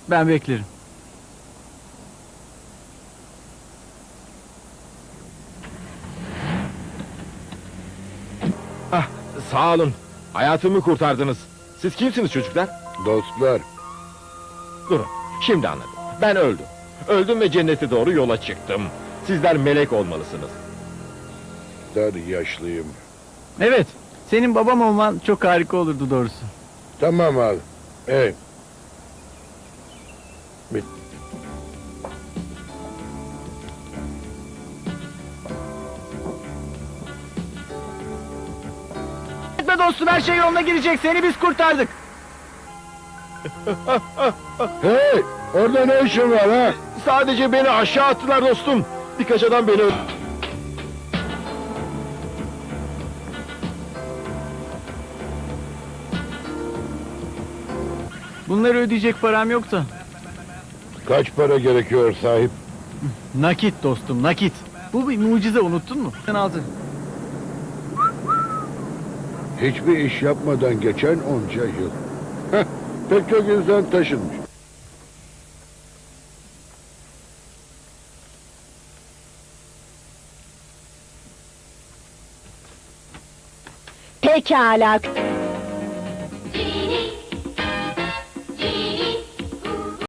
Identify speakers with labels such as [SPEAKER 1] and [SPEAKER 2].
[SPEAKER 1] Ben beklerim.
[SPEAKER 2] Ah, sağ olun. Hayatımı kurtardınız. Siz kimsiniz çocuklar?
[SPEAKER 3] Dostlar,
[SPEAKER 2] Durun. Şimdi anladım. Ben öldüm. Öldüm ve cennete doğru yola çıktım. Sizler melek olmalısınız.
[SPEAKER 3] dar yaşlıyım.
[SPEAKER 1] Evet. Senin babam olman çok harika olurdu doğrusu.
[SPEAKER 3] Tamam al. Evet. Bit.
[SPEAKER 1] Etme dostum, her şey yoluna girecek. Seni biz kurtardık.
[SPEAKER 3] Hey! Orada ne işin var ha?
[SPEAKER 2] Sadece beni aşağı attılar dostum. Birkaç adam beni
[SPEAKER 1] Bunları ödeyecek param yok da.
[SPEAKER 3] Kaç para gerekiyor sahip?
[SPEAKER 1] Nakit dostum, nakit. Bu bir mucize, unuttun mu? Sen aldın.
[SPEAKER 3] Hiçbir iş yapmadan geçen onca yıl. Heh, pek çok insan taşınmış.
[SPEAKER 4] Pekala.